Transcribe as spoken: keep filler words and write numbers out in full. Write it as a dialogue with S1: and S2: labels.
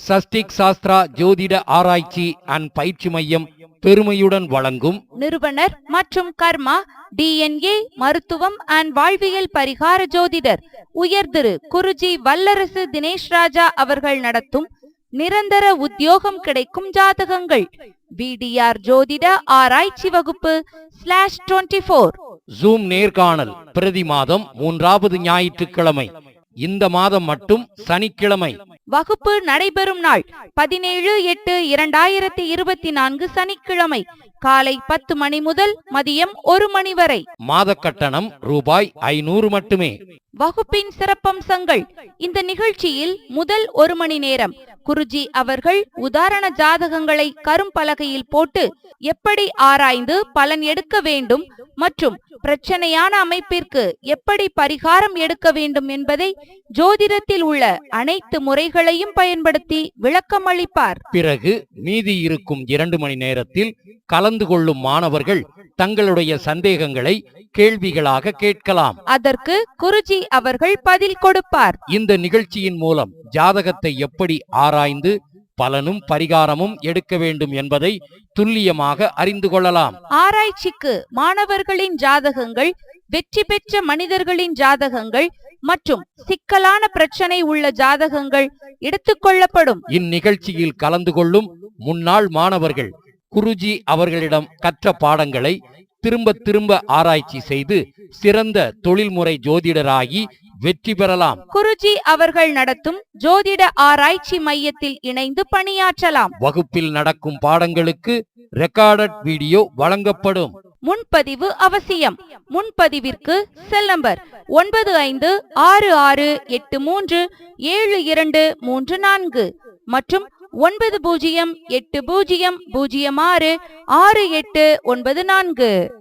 S1: சஷ்டிக் சாஸ்திரா ஜோதிட ஆராய்ச்சி அண்ட் பயிற்சி மையம் பெருமையுடன் வழங்கும்
S2: நிறுவனர் மற்றும் கர்மா டிஎன்ஏ மருத்துவம் அண்ட் வாழ்வியல் பரிகார ஜோதிடர் உயர் திரு குருஜி வல்லரசு தினேஷ் ராஜா அவர்கள் நடத்தும் நிரந்தர உத்தியோகம் கிடைக்கும் ஜாதகங்கள் பிடிஆர் ஜோதிட ஆராய்ச்சி வகுப்பு ஸ்லாஷ் டுவெண்ட்டி போர்
S1: ஜூம் நேர்காணல் பிரதி மாதம் மூன்றாவது ஞாயிற்றுக்கிழமை. இந்த மாதம் மட்டும் சனிக்கிழமை.
S2: வகுப்பு நடைபெறும் நாள் பதினேழு எட்டு இரண்டாயிரத்தி இருபத்தி நான்கு சனிக்கிழமை காலை பத்து மணி முதல் மதியம் ஒரு மணி வரை.
S1: மாத கட்டணம் ரூபாய் ஐநூறு மட்டுமே.
S2: வகுப்பின் சிறப்பம்சங்கள்: இந்த நிகழ்ச்சியில் முதல் ஒரு மணி நேரம் குருஜி அவர்கள் உதாரண ஜாதகங்களை கரும்பலகையில் போட்டு எப்படி ஆராய்ந்து பலன் எடுக்க வேண்டும் மற்றும் பிரச்சனையான அமைப்பிற்கு எப்படி பரிகாரம் எடுக்க வேண்டும் என்பதை ஜோதிடத்தில் உள்ள அனைத்து முறைகளையும் பயன்படுத்தி விளக்கம் அளிப்பார்.
S1: பிறகு மீதி இருக்கும் இரண்டு மணி நேரத்தில் கலந்து கொள்ளும் மாணவர்கள் தங்களுடைய சந்தேகங்களை கேள்விகளாக கேட்கலாம்.
S2: அதற்கு குருஜி அவர்கள் பதில் கொடுப்பார்.
S1: இந்த நிகழ்ச்சியின் மூலம் ஜாதகத்தை எப்படி ஆராய்ந்து பலனும் பரிகாரமும் எடுக்க வேண்டும் என்பதை துல்லியமாக அறிந்து கொள்ளலாம்.
S2: ஆராய்ச்சிக்கு மாணவர்களின் ஜாதகங்கள், வெற்றி பெற்ற மனிதர்களின் ஜாதகங்கள் மற்றும் சிக்கலான பிரச்சனை உள்ள ஜாதகங்கள் எடுத்துக்கொள்ளப்படும்.
S1: இந்நிகழ்ச்சியில் கலந்து கொள்ளும் முன்னாள் மாணவர்கள் குருஜி அவர்களிடம் கற்ற பாடங்களை திரும்ப திரும்ப ஆராய்ச்சி செய்து சிறந்த தொழில்முறை ஜோதிடராகி வெற்றி பெறலாம்.
S2: குருஜி அவர்கள் நடத்தும் ஜோதிட ஆராய்ச்சி மையத்தில் இணைந்து பணியாற்றலாம்.
S1: வகுப்பில் நடக்கும் பாடங்களுக்கு ரெக்கார்டட் வீடியோ வழங்கப்படும்.
S2: முன்பதிவு அவசியம். முன்பதிவிற்கு செல் நம்பர் ஒன்பது ஐந்து ஆறு ஆறு எட்டு மூன்று ஏழு இரண்டு மூன்று நான்கு மற்றும் ஒன்பது பூஜ்ஜியம் எட்டு பூஜ்ஜியம் பூஜ்ஜியம் ஆறு ஆறு எட்டு ஒன்பது நான்கு.